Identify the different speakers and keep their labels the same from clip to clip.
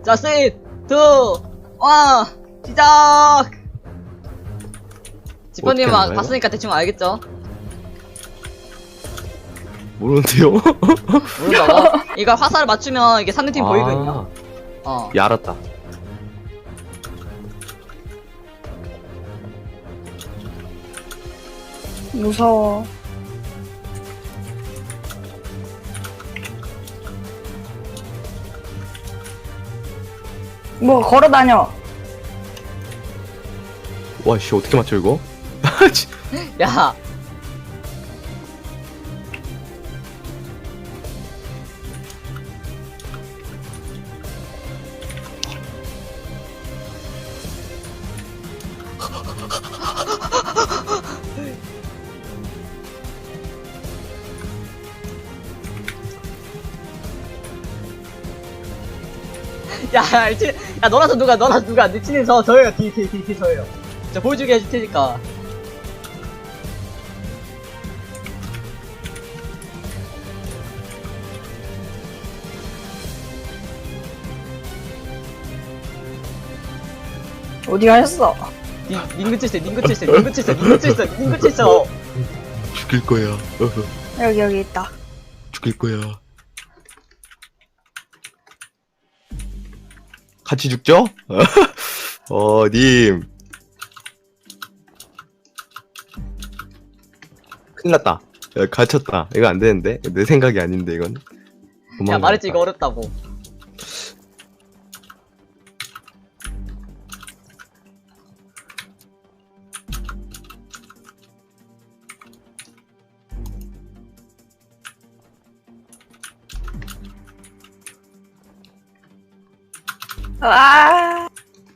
Speaker 1: 자, 3, 2, 1, 시작! 지퍼님
Speaker 2: 어떻게 하는 거예요?
Speaker 1: 봤으니까 대충 알겠죠?
Speaker 2: 모르는데요?
Speaker 1: 모른다고? 이거 화살을 맞추면 이게 상대팀 보이거든요?
Speaker 2: 예, 알았다.
Speaker 3: 무서워. 뭐 걸어다녀.
Speaker 2: 와, 씨, 어떻게 맞춰, 이거?
Speaker 1: 야! 야, 야, 너라서 누가, 내 친구 저예요, 저예요. 저 보여주게 해줄 테니까.
Speaker 3: 어디 가셨어?
Speaker 1: 닝구 칠세.
Speaker 2: 죽일 거야.
Speaker 3: 여기 있다.
Speaker 2: 죽일 거야. 같이 죽죠? 님. 큰일 났다. 야, 갇혔다. 이거 안 되는데? 내 생각이 아닌데, 이건.
Speaker 1: 야, 말했지, 이거 어렵다고.
Speaker 3: 아,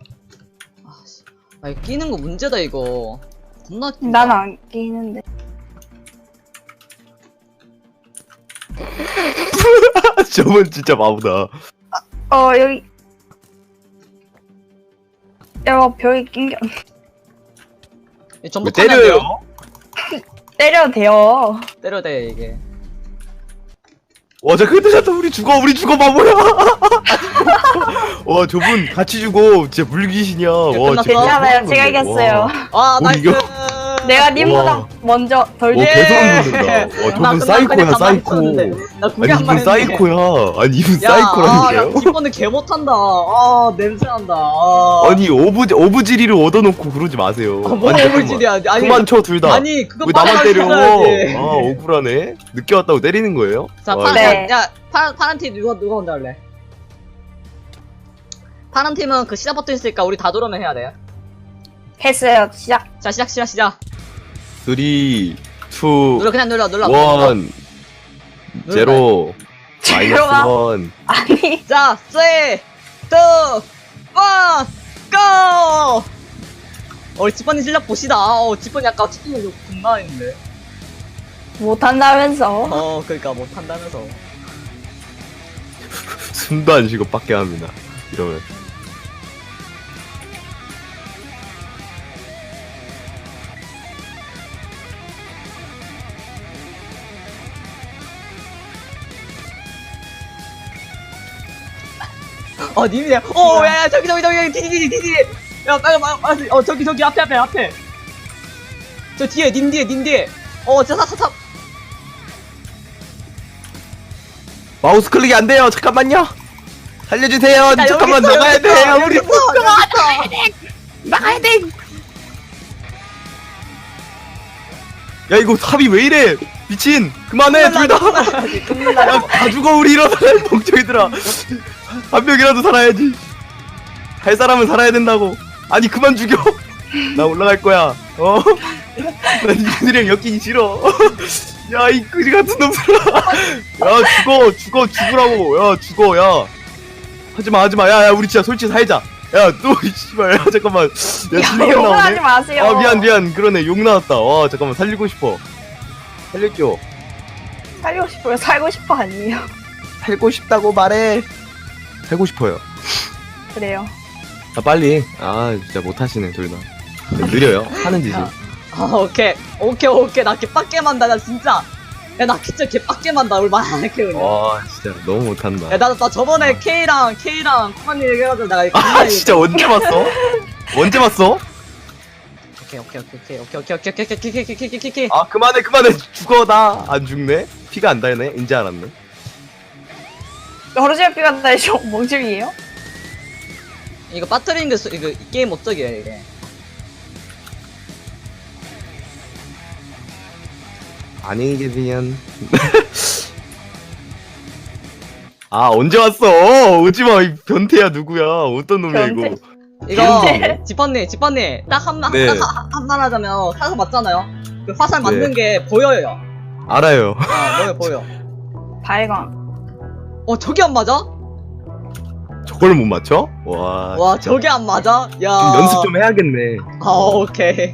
Speaker 1: 아, 이거 끼는 거 문제다, 이거. 겁나 끼다.
Speaker 3: 난 안 끼는데.
Speaker 2: 저분 진짜 바보다.
Speaker 3: 여기. 야, 벽에 낑겨.
Speaker 1: 이거 전부
Speaker 2: 왜
Speaker 1: 타면
Speaker 2: 때려요?
Speaker 1: 돼요?
Speaker 3: 때려도 돼요.
Speaker 1: 때려도 돼, 이게.
Speaker 2: 와, 저 그때 잤다. 우리 죽어, 바보야. 와, 저분 같이 죽어. 진짜 물귀신이야. 와,
Speaker 1: 끝났어?
Speaker 2: 진짜
Speaker 3: 괜찮아요.
Speaker 2: 무서운
Speaker 3: 제가
Speaker 2: 건데.
Speaker 3: 이겼어요.
Speaker 1: 아,
Speaker 2: 우리
Speaker 1: 나이스!
Speaker 2: 이거-
Speaker 3: 내가 님보다
Speaker 2: 와.
Speaker 3: 먼저 덜
Speaker 2: 와,
Speaker 3: 돼.
Speaker 2: 개소름 돋는다. 와, 저분 사이코야, 사이코.
Speaker 1: 나 구경
Speaker 2: 아니,
Speaker 1: 한번
Speaker 2: 이분
Speaker 1: 했는데.
Speaker 2: 사이코야. 아니, 이분
Speaker 1: 야,
Speaker 2: 사이코라니까요?
Speaker 1: 기권은 개 못한다. 아, 냄새난다. 아.
Speaker 2: 아니, 오브지리를 얻어놓고 그러지 마세요.
Speaker 1: 뭐
Speaker 2: 아니, 잠깐만.
Speaker 1: 오브질이야. 아니,
Speaker 2: 그만 쳐, 둘 다.
Speaker 1: 아니, 그거
Speaker 2: 왜 나만 때려?
Speaker 1: 빨아야지.
Speaker 2: 아, 억울하네. 늦게 왔다고 때리는 거예요?
Speaker 1: 자,
Speaker 2: 와,
Speaker 1: 파란,
Speaker 3: 네.
Speaker 1: 야, 파란 팀 누가 먼저 할래? 파란 팀은 그 시작 버튼 있으니까 우리 다 돌아오면 해야 돼요.
Speaker 3: 했어요. 시작.
Speaker 1: 자, 시작.
Speaker 2: 3, 2,
Speaker 1: 눌러, 그냥 눌러.
Speaker 2: 1, 0,
Speaker 3: 제로가-
Speaker 2: 마이너스 1.
Speaker 3: 아니,
Speaker 1: 자, 3, 2, 1, GO! 우리 지퍼님 실력 보시다. 지퍼님 아까 치킨을 좀 겁나했는데.
Speaker 3: 못한다면서.
Speaker 1: 그러니까 못한다면서.
Speaker 2: 숨도 안 쉬고 빡게 합니다. 이러면.
Speaker 1: 님이네. 야, 저기, 디디. 야, 빨리, 저기, 앞에. 저 뒤에, 님 뒤에. 사.
Speaker 2: 마우스 클릭이 안 돼요. 잠깐만요. 살려주세요. 잠깐만
Speaker 1: 여기 있어,
Speaker 2: 나가야
Speaker 1: 여기 있어,
Speaker 2: 돼. 우리
Speaker 1: 여기 있어.
Speaker 3: 나가야 돼.
Speaker 2: 야 이거 탑이 왜 이래? 미친. 그만해 둘 다. 야, 다 죽어 우리 일어나 멍청이들아. 한 명이라도 살아야지. 할 사람은 살아야 된다고. 아니 그만 죽여. 나 올라갈 거야. 난 이분들이랑 엮이기 싫어. 야 이 그지 같은 놈들아. 야 죽으라고. 야 죽어 야. 하지마. 야 우리 진짜 솔직히 살자. 야 또 씨발 야 잠깐만. 야 진짜
Speaker 3: 욕을 하지
Speaker 2: 나오네.
Speaker 3: 마세요.
Speaker 2: 아 미안 그러네 욕 나왔다. 와 잠깐만 살리고 싶어. 살릴게요.
Speaker 3: 살고 싶어요. 살고 싶어 아니에요.
Speaker 2: 살고 싶다고 말해. 살고 싶어요.
Speaker 3: 그래요.
Speaker 2: 아 빨리. 아 진짜 못하시네 둘 다. 느려요 하는 짓이.
Speaker 1: 오케이. 나 개빡게 만다, 나 진짜. 야, 나 진짜 개빡게 만다. 우리 말안 할게, 그냥.
Speaker 2: 와 진짜 너무 못한다.
Speaker 1: 야, 나 저번에 K랑 코마님 얘기해가지고 내가 이거
Speaker 2: 아 진짜 언제 봤어? 언제 봤어?
Speaker 1: 오케이.
Speaker 2: 아 그만해 죽어 나 안 죽네? 피가 안 달네? 인지 알았네.
Speaker 3: 허르지아 피가 나죠 멍청이에요?
Speaker 1: 이거 빠뜨리는 게 이거 게임 업적이야, 이게.
Speaker 2: 안녕히 계세요. 아 언제 왔어? 오지마 이 변태야 누구야? 어떤 놈이야 이거?
Speaker 3: 변태?
Speaker 1: 이거,
Speaker 3: 근데-
Speaker 1: 지퍼님, 딱
Speaker 2: 네.
Speaker 1: 한말 하자면, 사서 맞잖아요? 그 화살
Speaker 2: 네.
Speaker 1: 맞는 게 보여요.
Speaker 2: 알아요.
Speaker 1: 보여.
Speaker 3: 발광.
Speaker 1: 저게 안 맞아?
Speaker 2: 저걸 못 맞춰? 와.
Speaker 1: 와, 저게 안 맞아? 야.
Speaker 2: 좀 연습 좀 해야겠네.
Speaker 1: 오케이.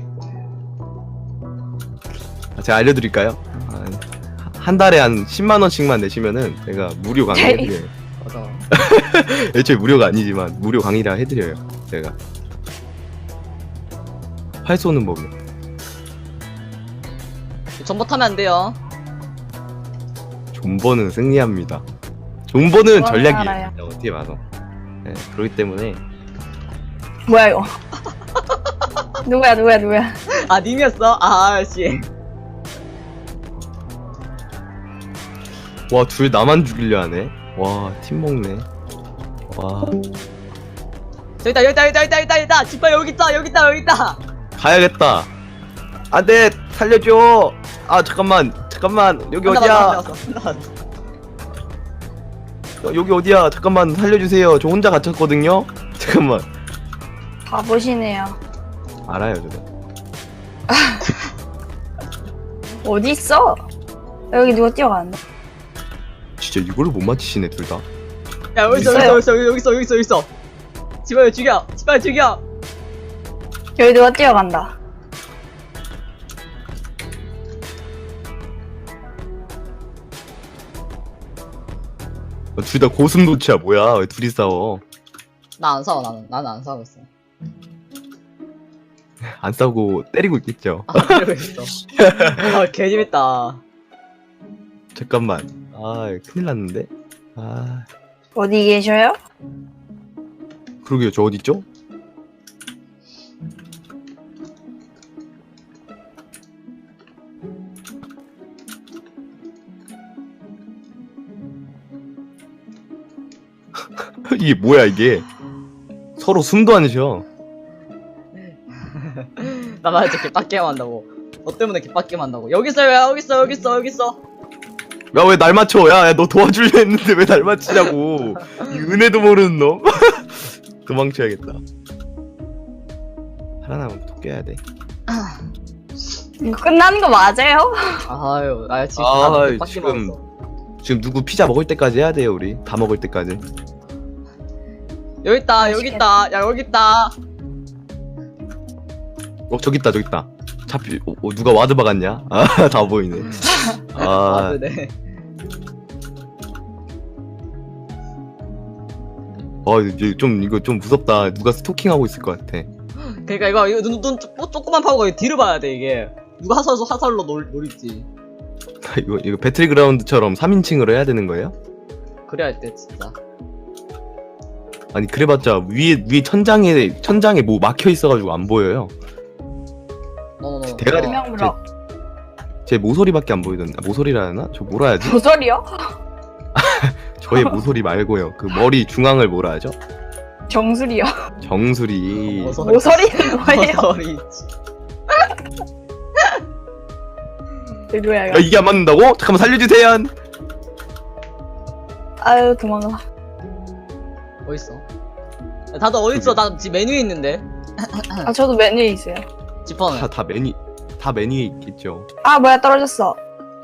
Speaker 2: 제가 알려드릴까요? 한 달에 한 10만 원씩만 내시면은 제가 무료 강의 해드려요.
Speaker 1: 맞아.
Speaker 2: 애초에 무료가 아니지만 무료 강의라 해드려요. 제가 활 쏘는 법이요.
Speaker 1: 전봇하면 안 돼요.
Speaker 2: 존버는 승리합니다. 존버는
Speaker 3: 그건
Speaker 2: 전략이에요.
Speaker 3: 알아요.
Speaker 2: 진짜 어떻게 봐서. 네, 그렇기 때문에
Speaker 3: 뭐야 이거? 누구야?
Speaker 1: 아, 님이었어? 씨.
Speaker 2: 와 둘 나만 죽이려 하네. 와 팀 먹네. 와
Speaker 1: 여기 있다. 지퍼 여기 있다.
Speaker 2: 가야겠다. 안돼 살려줘. 아 잠깐만 여기 어디야? 여기 어디야? 잠깐만 살려주세요. 저 혼자 갇혔거든요. 잠깐만.
Speaker 3: 바보시네요.
Speaker 2: 알아요 저도.
Speaker 3: 어디 있어? 여기 누가 뛰어가는데?
Speaker 2: 진짜 이걸로 못 맞히시네 둘 다.
Speaker 1: 야, 여기 있어. 지퍼 죽여.
Speaker 3: 여기 누가 뛰어간다.
Speaker 2: 둘 다 고슴도치야 뭐야? 왜 둘이 싸워?
Speaker 1: 나 안 싸워, 나는 안 싸우고 있어.
Speaker 2: 안 싸우고 때리고 있겠죠.
Speaker 1: 그러고 있어. 개재밌다.
Speaker 2: 잠깐만. 아 큰일 났는데. 아
Speaker 3: 어디 계셔요?
Speaker 2: 그러게요. 저 어디 있죠? 이게 뭐야 이게? 서로 숨도 안 쉬어.
Speaker 1: 나만 이렇게 개빡게 한다고. 너 때문에 개빡게 한다고. 여기 있어.
Speaker 2: 야 왜 날 맞춰? 야 너 도와주려 했는데 왜 날 맞히냐고. 이 은혜도 모르는 놈. 도망쳐야겠다. 살아나면 또 깨야 돼.
Speaker 3: 이거 끝나는 거 맞아요?
Speaker 1: 아유, 나 지금
Speaker 2: 아,
Speaker 1: 다 개빡게
Speaker 2: 지금-
Speaker 1: 먹었어.
Speaker 2: 지금 누구 피자 먹을 때까지 해야 돼요 우리. 다 먹을 때까지.
Speaker 1: 여기 있다. 야, 여기 있다.
Speaker 2: 저기 있다. 잡히 누가 와드 박았냐? 아 다 보이네. 아
Speaker 1: 네.
Speaker 2: 이거 좀 무섭다. 누가 스토킹하고 있을 것 같아.
Speaker 1: 그러니까 이거 눈 조그만 파고가 뒤로 봐야 돼 이게. 누가 화살로 노릴지.
Speaker 2: 이거 배틀그라운드처럼 3인칭으로 해야 되는 거예요?
Speaker 1: 그래야 할 때 진짜.
Speaker 2: 아니 그래봤자 위에 천장에 뭐 막혀 있어가지고 안 보여요. 대가리-
Speaker 3: 분명 물어.
Speaker 2: 제 모서리밖에 안 보이던데. 모서리라 하나? 저 뭐라 해야지?
Speaker 3: 모서리요?
Speaker 2: 저의 모서리 말고요. 그 머리 중앙을 뭐라 하죠?
Speaker 3: 정수리요?
Speaker 2: 정수리.
Speaker 3: 모서리는 뭐예요?
Speaker 1: 모서리 있지.
Speaker 3: 누구야
Speaker 2: 야
Speaker 3: 이거?
Speaker 2: 이게 안 맞는다고? 잠깐만 살려주세요.
Speaker 3: 아유 도망가.
Speaker 1: 어딨어? 야, 다들 어딨어? 나 지금 메뉴에 있는데.
Speaker 3: 아 저도 메뉴에 있어요.
Speaker 1: 지퍼는.
Speaker 2: 다 메뉴에 있겠죠.
Speaker 3: 아 뭐야 떨어졌어.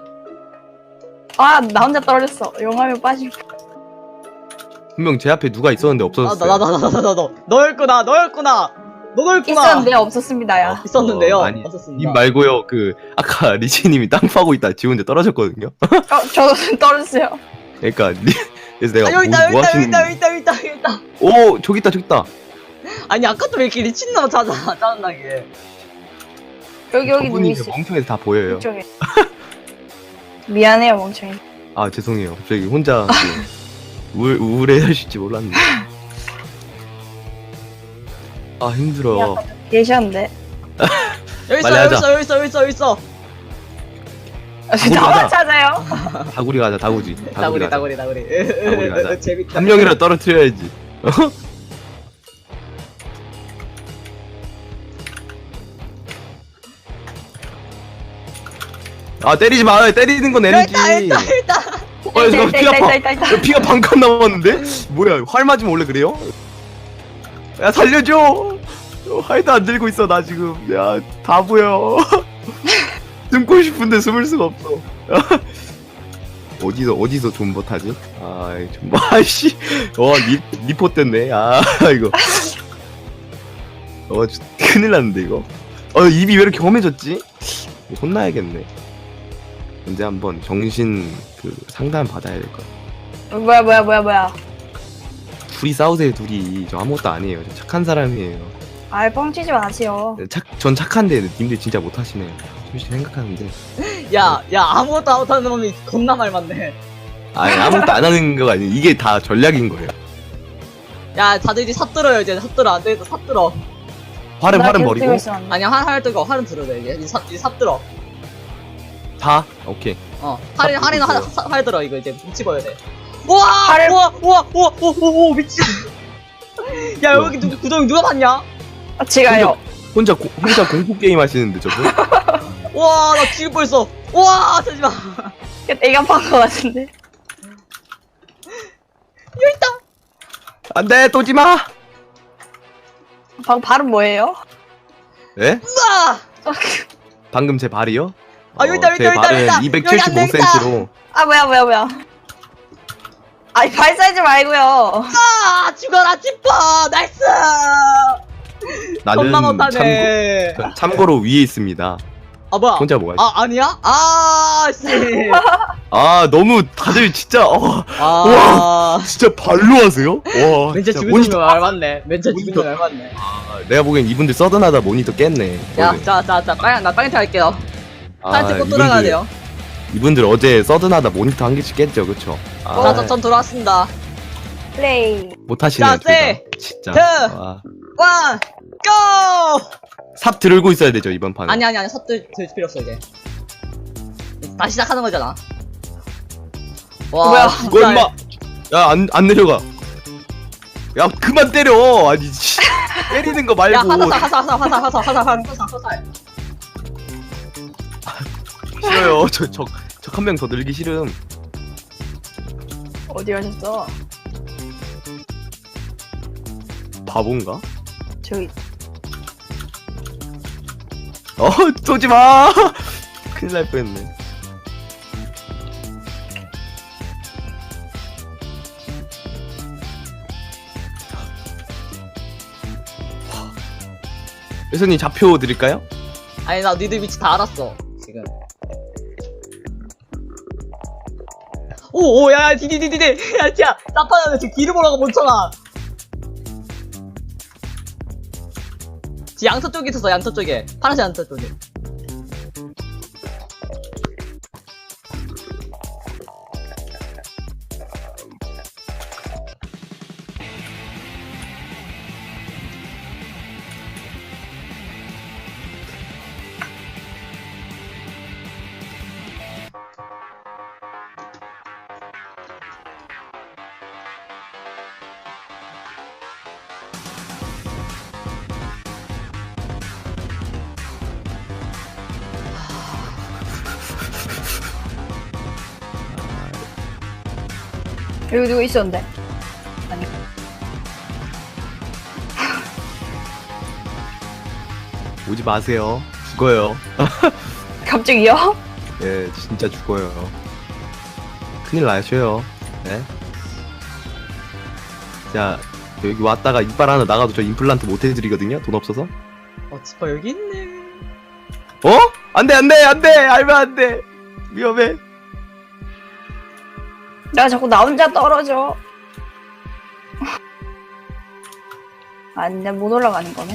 Speaker 3: 아 나 혼자 떨어졌어. 용암에 빠질.
Speaker 2: 분명 제 앞에 누가 있었는데 없어졌어요.
Speaker 1: 너였구나.
Speaker 3: 있었는데 없었습니다.
Speaker 1: 있었는데요.
Speaker 2: 아니
Speaker 1: 없었습니다.
Speaker 2: 님 말고요. 그 아까 리치님이 땅 파고 있다 지 혼자 떨어졌거든요.
Speaker 3: 저도 떨어졌어요.
Speaker 2: 그러니까 그래서 내가
Speaker 1: 여기
Speaker 2: 뭐 하시는
Speaker 1: 있다.
Speaker 2: 오 저기 있다.
Speaker 1: 아니 아까도 왜 이렇게 미친놈 짜증나게.
Speaker 3: 여기 누구
Speaker 2: 저분이
Speaker 3: 있어?
Speaker 2: 멍청해서 다 보여요.
Speaker 3: 이쪽에. 미안해요, 멍청이.
Speaker 2: 아 죄송해요. 갑자기 혼자 우울해하실지 몰랐네. 아 힘들어.
Speaker 3: 계셨는데.
Speaker 1: 여기 있어
Speaker 2: 빨리
Speaker 1: 여기
Speaker 2: 하자.
Speaker 1: 있어 여기 있어 여기 있어 여기 있어.
Speaker 3: 나만
Speaker 2: 가자.
Speaker 3: 찾아요.
Speaker 2: 다구리 가자 다구지.
Speaker 1: 나구리
Speaker 2: 가자.
Speaker 1: 나구리 나구리.
Speaker 2: 가자.
Speaker 1: 재밌다.
Speaker 2: 한 명이라도 떨어뜨려야지. 어? 아 때리지 마. 때리는 건 에너지.
Speaker 1: 일단
Speaker 2: 잠깐 피가 방.
Speaker 3: 있다.
Speaker 2: 야, 피가 반칸 남았는데? 뭐야 활 맞으면 원래 그래요? 야 살려줘. 활도 안 들고 있어 나 지금. 야 다 보여. 숨고 싶은데 숨을 수가 없어. 어디서 존버 타지? 아 존버 아이씨. 리포 뗐네. 아 이거. 큰일 났는데 이거. 입이 왜 이렇게 험해졌지? 혼나야겠네. 언제 한번 정신 상담 받아야 될 것 같아.
Speaker 3: 뭐야.
Speaker 2: 둘이 싸우세요 둘이. 저 아무것도 아니에요. 저 착한 사람이에요.
Speaker 3: 아, 뻥치지 마세요.
Speaker 2: 전 착한데 님들 진짜 못하시네요. 솔직히 생각하는데
Speaker 1: 야 아무것도 안 하는 놈이 겁나 말 많네.
Speaker 2: 아니 아무것도 안 하는 거가 아니에요. 이게 다 전략인 거예요.
Speaker 1: 야 다들 이제 삽들어요 이제 삽들어 안 되겠다 삽들어.
Speaker 2: 활은
Speaker 3: 나 계속
Speaker 2: 버리고
Speaker 3: 뛰고 있었는데.
Speaker 1: 아니야 활 들고 활은 들어야 돼 이제 이제 삽들어.
Speaker 2: 다 오케이.
Speaker 1: 할인 활 들어 이거 이제 뭉치버야 돼. 우와
Speaker 3: 활을-
Speaker 1: 우와 미친. 야 여기 구덩이 누가 봤냐?
Speaker 3: 아, 제가요.
Speaker 2: 혼자 공포 게임 하시는데 저분.
Speaker 1: 우와 나 죽일 뻔했어. 우와 잠시만.
Speaker 3: 내가 판거 같은데.
Speaker 1: 여기 있다.
Speaker 2: 안돼 쏘지 마.
Speaker 3: 발음 뭐예요?
Speaker 2: 예?
Speaker 1: 우와.
Speaker 2: 방금 제 발이요?
Speaker 1: 아, 여기 있다, 여기
Speaker 2: 제
Speaker 1: 있다, 여기
Speaker 2: 발은
Speaker 1: 있다, 여기 있다. 여기 안 되겠다.
Speaker 2: 275cm로.
Speaker 3: 아, 뭐야. 아니, 발 사이즈 말고요.
Speaker 1: 아 죽어라 찌퍼 나이스. 겁나
Speaker 2: 나는
Speaker 1: 못하네.
Speaker 2: 참고로 위에 있습니다.
Speaker 1: 아 뭐야?
Speaker 2: 혼자 뭐가 있어?
Speaker 1: 아니야? 아 씨.
Speaker 2: 너무 다들 진짜
Speaker 1: 아.
Speaker 2: 진짜 발로 하세요? 와
Speaker 1: 멘트
Speaker 2: 진짜
Speaker 1: 죽은
Speaker 2: 모니터.
Speaker 1: 놈이 알맞네. 멘트 죽은
Speaker 2: 모니터.
Speaker 1: 놈이 알맞네.
Speaker 2: 내가 보기엔 이분들 서든하다 모니터 깼네.
Speaker 1: 야,
Speaker 2: 거의.
Speaker 1: 자, 나 빨리 할게요.
Speaker 2: 아,
Speaker 1: 빨리 찍고 돌아가야 돼요.
Speaker 2: 이분들 어제 서든하다 모니터 한 개씩 깼죠, 그쵸?
Speaker 1: 자, 전 돌아왔습니다.
Speaker 3: 플레이.
Speaker 2: 못하시네요,
Speaker 1: 자,
Speaker 2: 둘 다.
Speaker 1: 세,
Speaker 2: 진짜.
Speaker 1: 트.
Speaker 2: 와.
Speaker 1: 원, 고!
Speaker 2: 삽 들고 있어야 되죠, 이번 판은.
Speaker 1: 아니, 섭들 들 필요 없어 이제. 다시 시작하는 거잖아. 와,
Speaker 3: 뭐야?
Speaker 1: 진짜.
Speaker 2: 이거 임마! 야, 안 내려가. 야, 그만 때려! 아니, 씨. 때리는 거 말고.
Speaker 1: 야, 화살.
Speaker 2: 싫어요. 저 한 명 더 늘기 싫음.
Speaker 3: 어디 가셨어?
Speaker 2: 바본가?
Speaker 3: 저기.
Speaker 2: 쏘지 마! 큰일 날 뻔했네. 회선님 좌표 드릴까요?
Speaker 1: 아니, 나 니들 위치 다 알았어. 지금. 오, 야, 디디디디디. 야, 야, 나파나는 지금 길을 보라고 멈춰라. 양서 쪽에 있었어, 양서 쪽에. 파란색 양서 쪽에.
Speaker 3: 여기 누구 있었는데?
Speaker 2: 오지 마세요. 죽어요.
Speaker 3: 갑자기요?
Speaker 2: 예, 진짜 죽어요. 큰일 나셔요. 네. 자, 여기 왔다가 이빨 하나 나가도 저 임플란트 못 해드리거든요. 돈 없어서.
Speaker 1: 지퍼 여기 있네.
Speaker 2: 안돼. 알면 안돼. 위험해.
Speaker 3: 내가 자꾸 나 혼자 떨어져. 아니, 내가 못 올라가는 거네.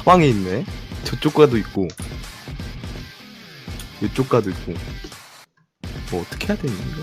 Speaker 2: 사방에 있네. 저쪽 가도 있고 이쪽 가도 있고. 뭐 어떻게 해야 되는 거야?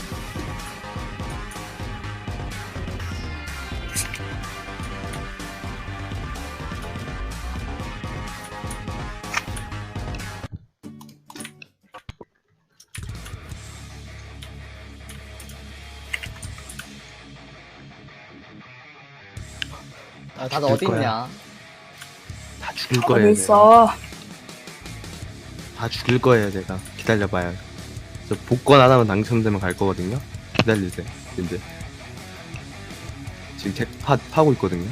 Speaker 1: 아, 다들 어디
Speaker 2: 거야.
Speaker 1: 있냐?
Speaker 2: 다 죽일
Speaker 3: 어디
Speaker 2: 거예요.
Speaker 3: 있어?
Speaker 2: 다 죽일 거예요, 제가. 기다려봐요. 저 복권 하나만 당첨되면 갈 거거든요. 기다리세요. 이제 지금 잭팟 파고 있거든요.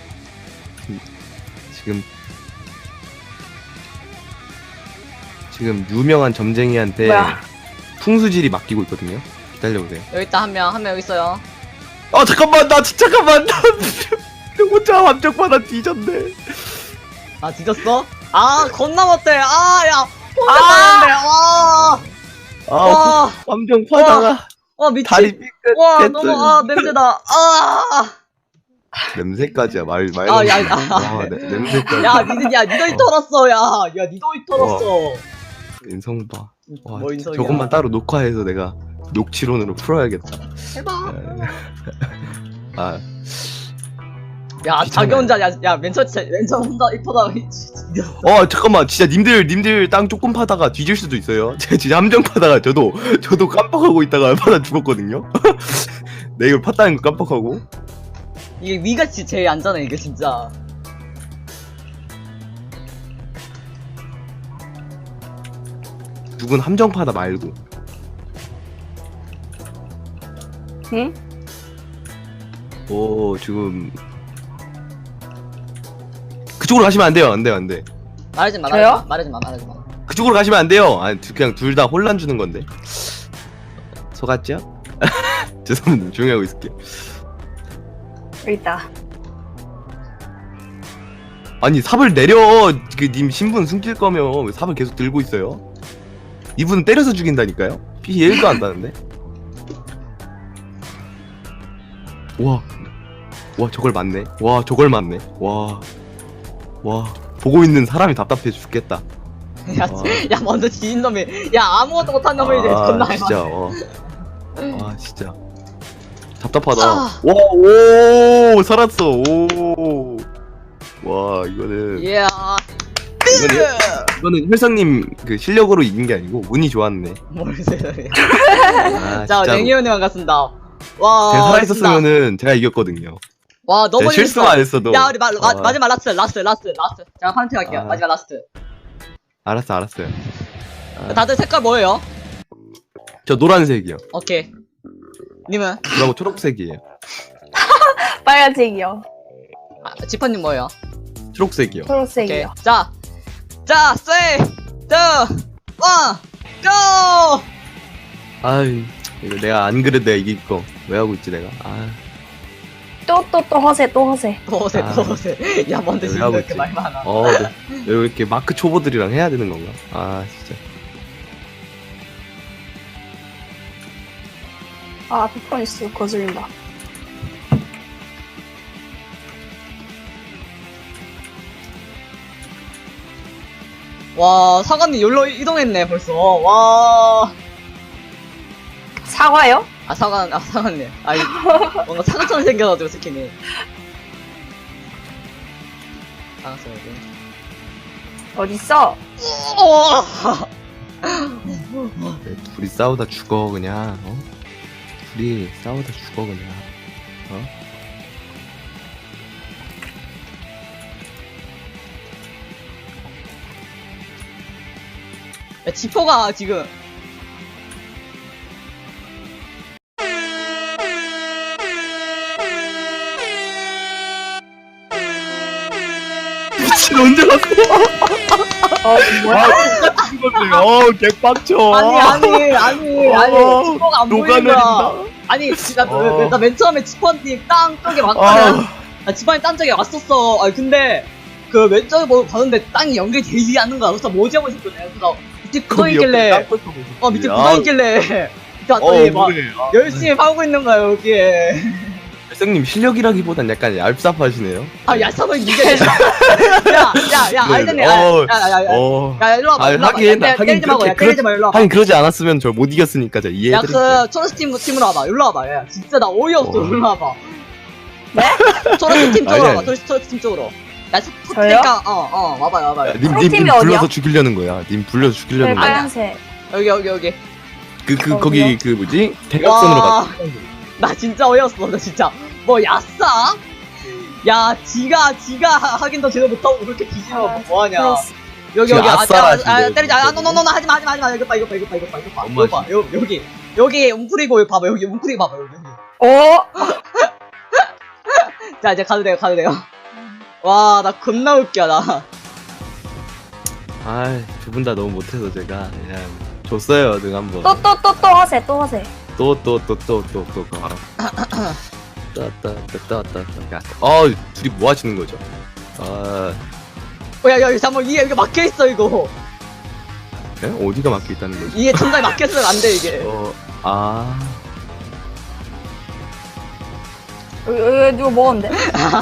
Speaker 2: 지금 유명한 점쟁이한테
Speaker 3: 뭐야?
Speaker 2: 풍수질이 맡기고 있거든요. 기다려보세요.
Speaker 1: 여기 있다, 한 명 여기 있어요.
Speaker 2: 아 잠깐만, 나 잠깐만, 나 혼자 함정받아 뒤졌네.
Speaker 1: 아, 뒤졌어? 아, 겁나 못해. 아, 야, 혼자 가는데. 와,
Speaker 2: 아,
Speaker 1: 와,
Speaker 2: 함정 파다가
Speaker 1: 와, 미친.
Speaker 2: 다리
Speaker 1: 와,
Speaker 2: 삐끗했더니.
Speaker 1: 너무, 아, 냄새다. 아,
Speaker 2: 냄새까지야. 말
Speaker 1: 아, 야, 야.
Speaker 2: 와, 냄새까지.
Speaker 1: 야, 니도 이 털었어, 야. 야, 니도 이 털었어.
Speaker 2: 인성 봐. 와,
Speaker 1: 뭐 인성이야.
Speaker 2: 저것만 따로 녹화해서 내가 녹취론으로 풀어야겠다.
Speaker 1: 해봐.
Speaker 2: 아,
Speaker 1: 야,
Speaker 2: 귀찮아요.
Speaker 1: 자기 혼자, 야, 맨 처음 혼자 이 터다가,
Speaker 2: 잠깐만, 진짜 님들 땅 조금 파다가 뒤질 수도 있어요. 제가 진짜 함정 파다가 저도 깜빡하고 있다가 파다 죽었거든요. 내가 이걸 팠다는 거 깜빡하고.
Speaker 1: 이게 위가 제일 안전해, 이게 진짜.
Speaker 2: 누군 함정 파다 말고.
Speaker 3: 응?
Speaker 2: 오, 지금 그쪽으로 가시면 안 돼요. 안 돼요, 안 돼.
Speaker 1: 말하지 마,
Speaker 3: 저요?
Speaker 1: 말하지 마.
Speaker 2: 그쪽으로 가시면 안 돼요. 아니, 그냥 둘 다 혼란 주는 건데. 속았죠? 죄송합니다. 조용히 하고 있을게요.
Speaker 3: 여기 있다.
Speaker 2: 아니, 삽을 내려. 그 님 신분 숨길 거면 왜 삽을 계속 들고 있어요? 이분은 때려서 죽인다니까요? 피 1도 안 나는데? 와, 저걸 맞네. 와, 저걸 맞네. 와, 보고 있는 사람이 답답해 죽겠다.
Speaker 1: 야, 야, 먼저 지인 놈이, 야, 아무것도 못한 놈이 이제 존나
Speaker 2: 아, 진짜, 진짜. 답답하다.
Speaker 1: 아.
Speaker 2: 와, 오, 살았어. 오. 와, 이거는.
Speaker 1: 예.
Speaker 2: 이거는 혈상님 그 실력으로 이긴 게 아니고 운이 좋았네.
Speaker 1: 뭘 세상에.
Speaker 2: 아,
Speaker 1: 자,
Speaker 2: 진짜로.
Speaker 1: 냉이온님 반갑습니다. 와.
Speaker 2: 제가 살아있었으면은 제가 이겼거든요.
Speaker 1: 와, 너무
Speaker 2: 제가 실수만 안 했어도.
Speaker 1: 야, 우리
Speaker 2: 아.
Speaker 1: 마지막 라스트. 제가 파운팅 할게요.
Speaker 2: 아.
Speaker 1: 마지막 라스트.
Speaker 2: 알았어요.
Speaker 1: 다들 색깔 뭐예요?
Speaker 2: 저 노란색이요.
Speaker 1: 오케이. 님은?
Speaker 2: 그리고 초록색이에요.
Speaker 3: 빨간색이요.
Speaker 1: 아, 지퍼님 뭐예요?
Speaker 2: 초록색이요.
Speaker 1: 오케이.
Speaker 3: 초록색이요.
Speaker 1: 자, 3, 2, 1, GO!
Speaker 2: 아이, 이거 내가 안 그래도 내가 이길 거 왜 하고 있지 내가? 아,
Speaker 3: 또 허세.
Speaker 1: 또 오세. 야, 뭔데
Speaker 2: 왜
Speaker 1: 지금
Speaker 2: 하고
Speaker 1: 이렇게
Speaker 2: 있지?
Speaker 1: 말 많아.
Speaker 2: 네. 왜 이렇게 마크 초보들이랑 해야 되는 건가? 아, 진짜.
Speaker 3: 아, 페퍼니스 거슬린다.
Speaker 1: 와, 사관님 여기로 이동했네, 벌써. 와.
Speaker 3: 사과요?
Speaker 1: 사관님. 아니, 뭔가 사과처럼 생겨가지고, 스킨이. 알았어요, 여기.
Speaker 3: 어딨어?
Speaker 2: 네, 둘이 싸우다 죽어 그냥. 둘이 싸우다 죽어 그냥.
Speaker 1: 야, 지퍼가 지금.
Speaker 2: 미친 언제 갔어?
Speaker 3: 뭐야?
Speaker 2: 개빡쳐.
Speaker 1: 아니, 지퍼가 안 보이는 거야.
Speaker 2: 녹아내린다.
Speaker 1: 아니, 나 맨 처음에 지퍼님 땅 쪽에 왔거든. 지퍼님 땅 쪽에 왔었어. 아니, 근데, 그 왼쪽에 뭐 봤는데 땅이 연결되지 않는 거야. 그래서 뭐지 하고 있었거든. 그래서 밑에 굳어있길래, 밑에 굳어있길래, 밑에 왔더니 막, 열심히 파고 있는 거야, 여기에.
Speaker 2: 헬성님 실력이라기보단 약간 얄쌉하시네요.
Speaker 1: 아, 야, 사번 이게. 야,
Speaker 2: 네,
Speaker 1: 알겠네.
Speaker 2: 어,
Speaker 1: 야, 야, 일로 와봐.
Speaker 2: 아,
Speaker 1: 일로 와봐.
Speaker 2: 하긴,
Speaker 1: 야, 때리지 말고, 야, 때리지 말고, 일로 와봐.
Speaker 2: 하긴 그러지 않았으면 저 못 이겼으니까 제가
Speaker 1: 야,
Speaker 2: 이해해드릴게요.
Speaker 1: 그, 초록스 팀으로 와봐. 일로 와봐. 야, 진짜 나 어이없어.
Speaker 2: 어.
Speaker 1: 일로 와봐. 네? 초록스 팀 쪽으로
Speaker 2: 아니,
Speaker 1: 와봐. 초록스 팀 쪽으로. 야,
Speaker 3: 저요?
Speaker 1: 그러니까, 와봐요.
Speaker 2: 야, 님
Speaker 3: 프로팀이
Speaker 2: 불러서
Speaker 3: 어디야?
Speaker 2: 죽이려는 거야. 님 불러서 죽이려는
Speaker 3: 네,
Speaker 2: 거야.
Speaker 3: 빨간색.
Speaker 1: 여기.
Speaker 2: 거기 그 뭐지? 대각선으로
Speaker 1: 와.
Speaker 2: 가.
Speaker 1: 나 진짜 어이없어. 나 진짜. 뭐, 야싸? 야, 지가 하긴 더 제대로 못하고 그렇게 뒤지면 뭐하냐. 여기,
Speaker 2: 지금 아싸라 하시네.
Speaker 1: 때리자. 노, 하지마. 이거 봐.
Speaker 2: 엄마
Speaker 1: 이거 봐. 여기, 웅크리고, 봐봐. 여기, 웅크리고 봐봐. 여기.
Speaker 3: 어?
Speaker 1: 자, 이제 가도 돼요. 와, 나 겁나 웃겨, 나.
Speaker 2: 아, 두 분 다 너무 못해서 제가 그냥 줬어요, 능 한번.
Speaker 3: 또 허세, 또 허세.
Speaker 2: 또 가라. 둘이 뭐 하시는 거죠?
Speaker 1: 야, 잠깐만, 이게 막혀있어, 이거.
Speaker 2: 어디가 막혀 있다는 거지?
Speaker 1: 이게 천장에 막혔으면 안 돼, 이게.
Speaker 3: 여기 누가 먹었는데?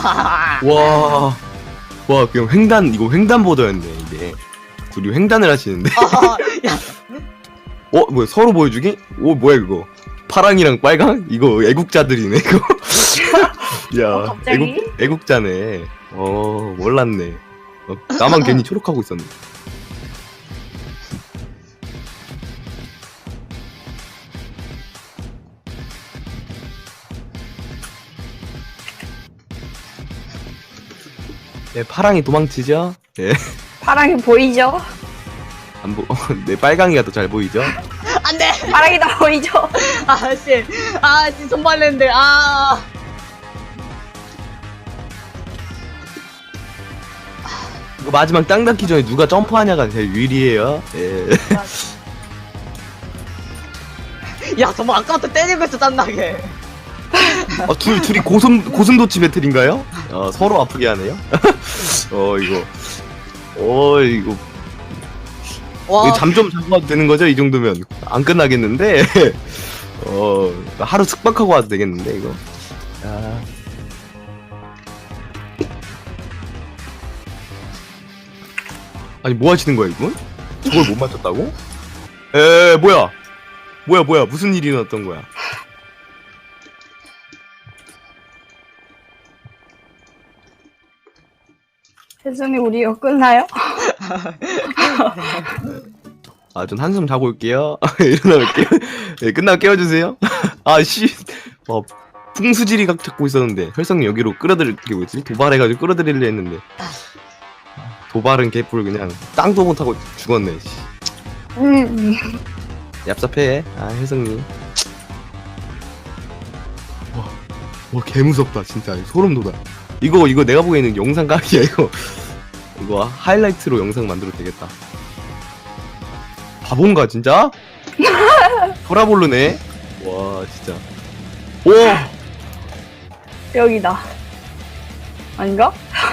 Speaker 2: 와, 그냥 이거 횡단보도였네, 이게. 둘이 횡단을 하시는데.
Speaker 1: 야,
Speaker 2: 뭐야, 서로 보여주기? 뭐야, 그거. 파랑이랑 빨강? 이거 애국자들이네, 이거. 야,
Speaker 3: 갑자기?
Speaker 2: 애국자네. 몰랐네. 나만 괜히 초록하고 있었네. 네, 파랑이 도망치죠? 예.
Speaker 3: 파랑이 보이죠?
Speaker 2: 네, 빨강이가 더 잘 보이죠?
Speaker 1: 안 돼!
Speaker 3: 파랑이 다 보이죠?
Speaker 1: 아씨, 손발랬는데,
Speaker 2: 이거 마지막 땅 닿기 전에 누가 점프하냐가 제일 유리해요. 예.
Speaker 1: 야, 정말 아까부터 때리고 있어, 짠나게.
Speaker 2: 둘이 고슴도치 배틀인가요? 서로 아프게 하네요. 이거.
Speaker 1: 와,
Speaker 2: 잠 좀 자고 와도 되는 거죠? 이 정도면 안 끝나겠는데. 하루 숙박하고 와도 되겠는데 이거. 아니 뭐 하시는 거야 이분? 저걸 못 맞췄다고? 뭐야 무슨 일이 일어났던 거야?
Speaker 3: 혜성이 우리 이거 끝나요?
Speaker 2: 전 한숨 자고 올게요. 일어나 볼게요. 네, 끝나고 깨워주세요. 풍수지리 각 찾고 있었는데 혈성님 여기로 끌어들이게 뭐지? 도발해가지고 끌어들이려 했는데 도발은 개뿔 그냥 땅도 못하고 죽었네. 씨. 얍삽해. 혈성님. 와 개무섭다 진짜. 소름 돋아. 이거 내가 보기에는 영상 각이야 이거 하이라이트로 영상 만들어도 되겠다. 바본가 진짜? 돌아볼르네. 와 진짜. 오
Speaker 3: 여기다. 아닌가?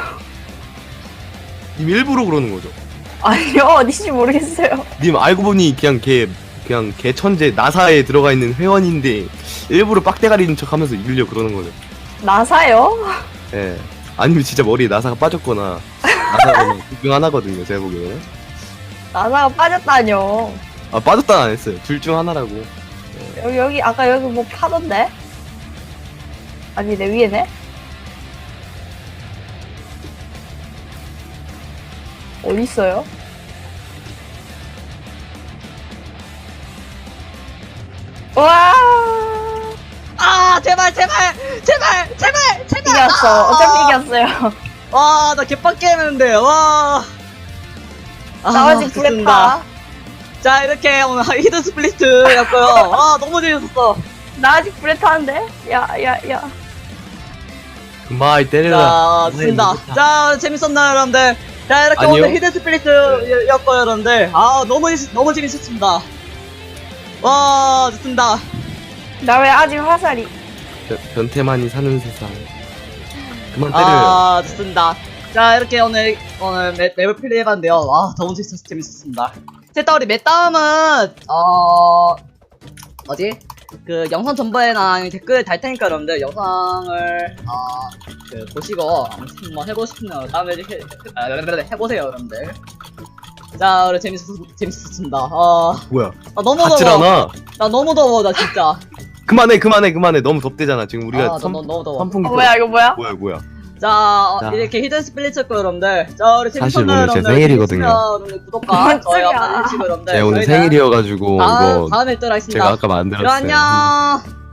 Speaker 2: 님 일부러 그러는 거죠?
Speaker 3: 아니요, 어디지 모르겠어요.
Speaker 2: 님 알고 보니 그냥 개 천재 나사에 들어가 있는 회원인데 일부러 빡대가리는 척하면서 이기려 그러는 거죠.
Speaker 3: 나사요?
Speaker 2: 예. 아니면 진짜 머리에 나사가 빠졌거나 나사가 둘중 하나거든요 제가 보기에는.
Speaker 3: 나사가 빠졌다뇨.
Speaker 2: 빠졌다는 안 했어요. 둘 중 하나라고.
Speaker 3: 여기 아까 여기 뭐 파던데? 아니 내 위에네? 어디 있어요? 와!
Speaker 1: 제발.
Speaker 3: 이겼어. 어차피 이겼어요.
Speaker 1: 와, 나 개빡게 했는데, 와.
Speaker 3: 나 아직 불에
Speaker 1: 좋습니다.
Speaker 3: 타.
Speaker 1: 자, 이렇게 오늘 히든 스플리트였고요. 너무 재밌었어.
Speaker 3: 나 아직 불에 타는데? 야.
Speaker 2: 그만 때려라.
Speaker 1: 자, 좋습니다. 자, 재밌었나요, 여러분들? 자, 이렇게
Speaker 2: 아니요.
Speaker 1: 오늘 히든 스플리트였고요, 여러분들. 너무 재밌었습니다. 와, 좋습니다.
Speaker 3: 나 왜 아직 화살이?
Speaker 2: 변태만이 사는 세상. 그만 때려요.
Speaker 1: 좋습니다. 자, 이렇게 오늘 맵을 플레이해봤는데요. 너무 재밌었습니다. 됐다, 우리 맵 다음은, 뭐지? 그 영상 전부에나 댓글 달 테니까 여러분들 영상을 그 보시고 한번 해보고 싶으면 다음에 해보세요 여러분들. 자, 그래 재밌었습니다.
Speaker 2: 뭐야?
Speaker 1: 나 너무
Speaker 2: 같질
Speaker 1: 더워.
Speaker 2: 않아.
Speaker 1: 나 너무 더워 나 진짜.
Speaker 2: 그만해. 너무 덥대잖아. 지금 우리가
Speaker 1: 나 너무 더워.
Speaker 2: 선풍기.
Speaker 3: 뭐야 이거 뭐야?
Speaker 2: 뭐야?
Speaker 1: 자,
Speaker 2: 자.
Speaker 1: 이렇게 히든 스플릿 고 여러분들. 자, 우리
Speaker 2: 사실
Speaker 1: 재밌었나요,
Speaker 2: 오늘 제
Speaker 1: 여러분들?
Speaker 2: 생일이거든요.
Speaker 1: 재밌으면 여러분들 구독과 좋아요
Speaker 3: 깜짝이야.
Speaker 1: 한번 해주시고 여러분들.
Speaker 2: 제가 오늘
Speaker 1: 저희는
Speaker 2: 생일이어가지고 이거
Speaker 1: 다음에 또 하겠습니다.
Speaker 2: 제가 아까 만들었어요.
Speaker 1: 그럼 안녕.